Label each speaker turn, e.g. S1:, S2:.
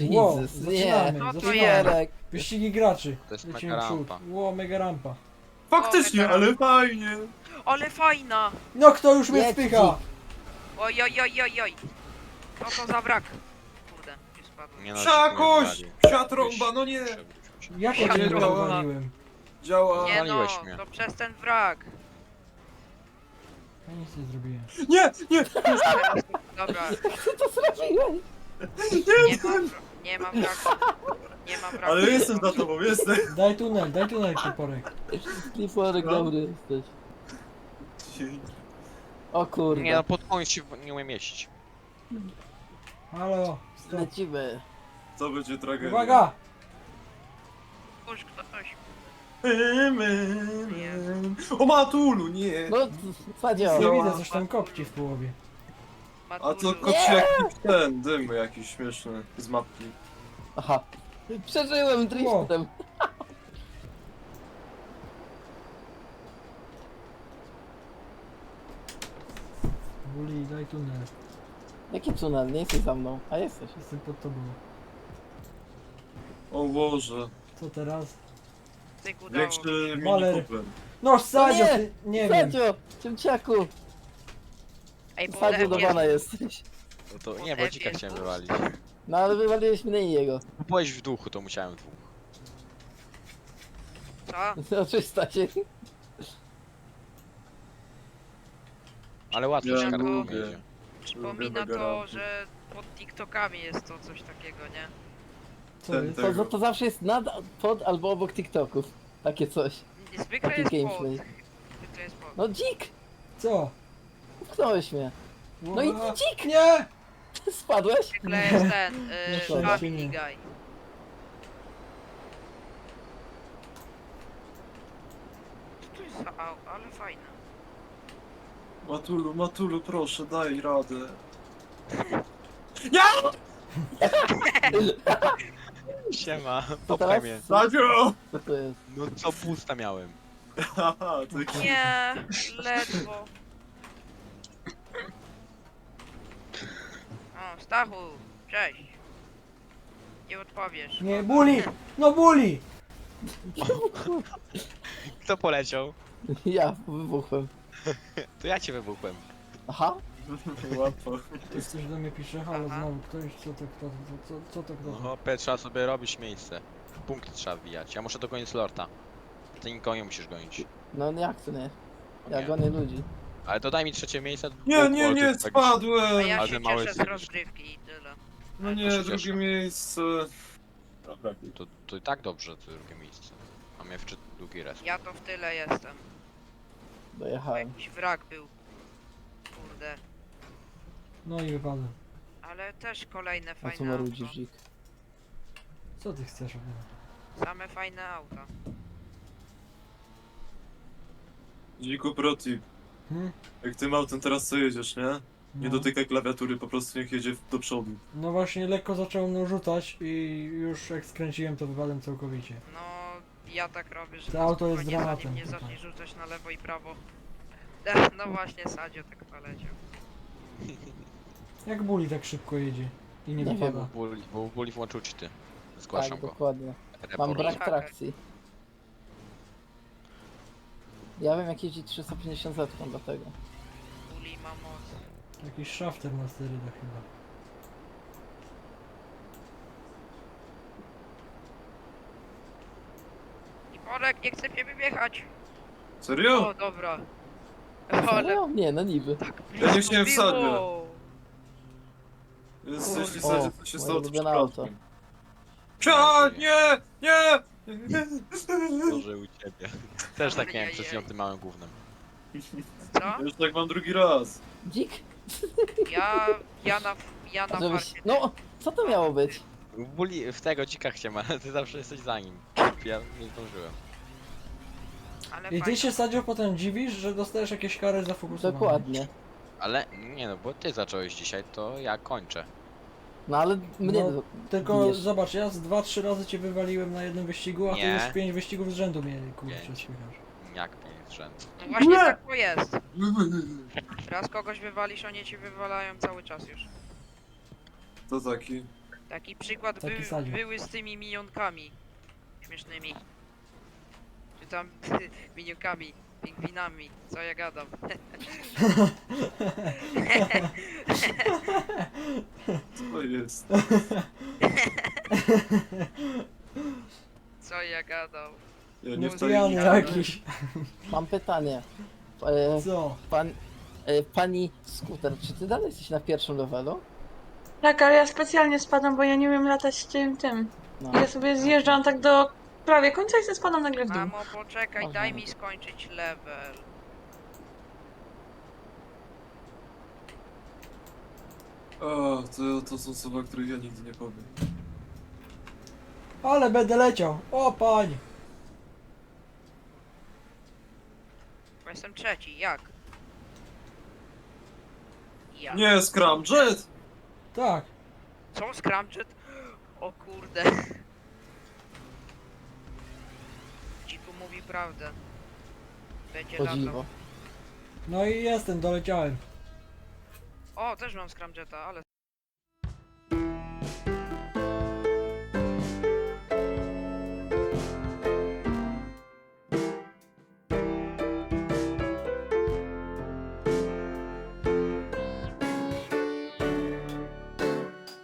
S1: Wow,
S2: Jesus,
S1: zaczynamy,
S2: nie.
S3: No to
S1: zaczynamy.
S2: Jarek.
S1: Wyścigi graczy.
S4: To jest
S1: Lecimy
S4: mega
S1: w przód.
S4: rampa.
S1: Ło, mega rampa.
S5: Faktycznie,
S3: O,
S5: ale fajnie.
S3: Ale fajna!
S1: No kto już mnie
S2: Jedź,
S1: wpycha?
S3: Oj, oj, oj, oj, oj. Co to za brak? Kurde, nie spadłem.
S4: Nie
S5: Przakoś! Psiatrąba, no nie.
S1: Jak
S3: Ja
S1: ja cię
S5: pierdolę.
S1: wywaliłem?
S5: Działa.
S3: Nie no,
S4: Waliłeś mnie.
S3: to przez ten wrak.
S1: Ja nic nie zrobiłem.
S5: Nie!
S3: Dobra,
S2: Co zrobiłeś?
S3: nie ma wraku. Nie ma wraku.
S5: Ale jestem za tobą, jestem.
S1: Daj tunel, Kiporek.
S2: Kliforek
S5: No.
S2: dobry jesteś. O kurde.
S4: Nie no, pod koniec się nie umiem mieścić.
S1: Halo, stop.
S2: Lecimy.
S5: To będzie tragedia.
S1: Uwaga!
S3: Puść ktoś.
S5: O Matulu, nie.
S2: No, Sadzio.
S1: Nie widzę, coś tam kopci w połowie.
S5: A to
S3: Matulu.
S5: kopci jakiś ten dym jakiś śmieszny z mapki.
S2: Aha. Przeżyłem driftem.
S1: Buli, daj tunel.
S2: Jaki tunel? Nie jesteś za mną. A jesteś.
S1: Jestem pod tobą.
S5: O Boże.
S1: Co teraz?
S3: Tyk udało.
S5: Większy
S1: Maler.
S5: mini Cooper.
S1: No Sadzio,
S2: nie!
S1: ty, nie wiem.
S2: Sadzio! Ciemciaku!
S3: Ej, bo
S2: Sadzio do
S3: jest-
S2: bana jesteś.
S4: No to nie, bo dzika chciałem wywalić.
S2: No ale wywaliłeś mnie i jego.
S4: Byłeś w duchu, to musiałem dwóch.
S3: Co?
S2: No 300 się.
S4: Ale łatwo
S5: Ja
S4: się kartą
S5: lubię.
S4: jedzie.
S3: Przypomina
S5: Lubię
S3: to,
S5: rampy.
S3: że pod TikTokami jest to coś takiego, nie?
S1: Co
S5: Ten-
S1: jest?
S5: ten-
S2: To zawsze jest pod albo obok TikToków. Takie coś.
S3: Zwykle
S2: Taki
S3: jest pod.
S2: gameplay.
S3: Zwykle jest pod.
S2: No dzik!
S1: Co?
S2: Upchnąłeś mnie. No i
S1: Uwaga.
S2: dzik!
S1: Nie!
S2: Spadłeś?
S3: Zwykle jest ten,
S1: Nie szkodzi,
S3: Family
S1: nie.
S3: Guy. Co to jest za ale fajne.
S5: Matulu, proszę, daj radę.
S4: Siema,
S2: To
S4: popchaj
S2: teraz?
S4: mnie.
S5: Sadzio!
S2: Co to jest?
S4: No co pusta miałem.
S5: Haha, ty
S3: Nie, ledwo. O, Stachu, cześć. Nie odpowiesz.
S1: Nie, Buli! No Buli!
S4: Kto poleciał?
S2: Ja wybuchłem.
S4: To ja cię wybuchłem.
S2: Aha.
S5: łatwo.
S1: Ktoś coś do mnie pisze, halo
S3: Aha.
S1: znowu, ktoś, co to kto?
S4: No hopie, trzeba sobie robić miejsce. Punkty trzeba wbijać. Ja muszę dogonić Lorda. Ty nikogo nie musisz gonić.
S2: No jak to nie?
S4: O
S2: Ja
S4: nie.
S2: gonię ludzi.
S4: Ale to daj mi trzecie miejsce.
S5: Nie,
S4: bo
S5: nie,
S4: ty
S5: nie,
S4: tak-
S3: A
S5: spadłem!
S3: ja
S4: Ale
S3: się
S4: mały
S3: cieszę z
S4: jesteś.
S3: rozgrywki i tyle.
S5: No nie,
S4: to się
S5: drugie
S4: cieszę.
S5: miejsce. Dobra.
S4: To i tak dobrze, to drugie miejsce. A mnie jeszcze drugi raz.
S3: Ja to w tyle jestem.
S2: Dojechałem.
S3: Jakiś wrak był. Kurde.
S1: No i wypadłem.
S3: Ale też kolejne
S2: A co
S3: fajne
S2: marudzisz,
S3: auto.
S2: dzik?
S1: Co ty chcesz ode mnie?
S3: Same fajne auta.
S5: Dziku protip.
S1: Hmm?
S5: Jak tym autem teraz co jedziesz, nie? Nie
S1: No.
S5: dotykaj klawiatury, po prostu niech jedzie do przodu.
S1: No właśnie lekko zaczął mną rzucać i już jak skręciłem to wypadłem całkowicie.
S3: No, ja tak robię, że
S1: To auto jest
S3: spokojnie,
S1: dramatem
S3: zanim nie
S1: tutaj.
S3: zacznie rzucać na lewo i prawo. No właśnie, Sadzio tak poleciał.
S1: Jak Buli tak szybko jedzie i nie
S2: Nie
S1: wypada?
S4: Bo Buli włączył cheaty. Zgłaszam
S2: Tak,
S4: go.
S2: dokładnie. Mam
S4: Report.
S2: brak
S3: Haker.
S2: trakcji. Ja wiem jak jeździć 350 zetką dlatego.
S3: Uli ma moc.
S1: Jakiś shafter na sterydach chyba.
S3: I Borek, nie chce mnie wyjechać.
S5: Serio?
S3: O, dobra. Ale
S2: Serio? Nie, no niby.
S5: Ja nie chciałem
S3: blisko
S5: wsadzić.
S3: było.
S5: Jest, jeśli
S2: O,
S5: sadzie, to się
S2: moje
S5: stało to
S2: ulubione
S5: przypadkiem. Cia, nie, nie!
S4: Boże u ciebie. Też tak miałem przez
S3: Ajajaj.
S4: tym małym gównem.
S3: Co?
S5: Już tak mam drugi raz.
S2: Dzik?
S3: Ja na
S2: Żebyś...
S3: farcie.
S2: No, co to miało być?
S4: Buli w tego dzika chciałem, ale ty zawsze jesteś za nim. Ja nie zdążyłem.
S3: Ale
S1: I ty
S3: fajnie.
S1: się Sadzio potem dziwisz, że dostajesz jakieś kary za fokusowanie.
S2: Dokładnie.
S4: Ale nie no, bo ty zacząłeś dzisiaj, to ja kończę.
S2: No ale mnie...
S1: No, Tylko
S2: bijesz.
S1: zobacz, ja z 2-3 razy cię wywaliłem na jednym wyścigu, a ty
S4: Nie.
S1: już 5 wyścigów z rzędu mnie kurczę
S4: Pięć.
S1: spychasz.
S4: Jak 5 rzędu.
S3: No właśnie tak to jest. Raz kogoś wywalisz, oni ci wywalają cały czas już.
S5: To taki.
S3: Taki przykład
S1: Taki sadziak.
S3: były z tymi minionkami. Śmiesznymi. Czy tam minionkami, pingwinami, co ja gadam.
S5: Co to jest?
S3: Co ja gadam.
S5: Ja nie w
S1: Pijany
S5: tajemnicy.
S1: jakiś.
S2: Mam pytanie.
S1: Co?
S2: Pani Skuter, czy ty dalej jesteś na pierwszym levelu?
S6: Tak, ale ja specjalnie spadam, bo ja nie umiem latać tym.
S2: No.
S6: Ja sobie zjeżdżam tak do prawie końca i sobie spadam nagle w dół.
S3: Mamo, poczekaj,
S2: Można.
S3: daj mi skończyć level.
S5: O, to są słowa, których ja nigdy nie powiem.
S1: Ale będę leciał. O pań.
S3: Bo jestem trzeci, jak? Ja.
S5: Nie, Scramjet!
S1: Tak.
S3: Co, Scramjet? O kurde. Dziku mówi prawdę. Będzie
S2: O
S3: latał.
S2: dziwo.
S1: No i jestem, doleciałem.
S3: O, też mam Scramjeta, ale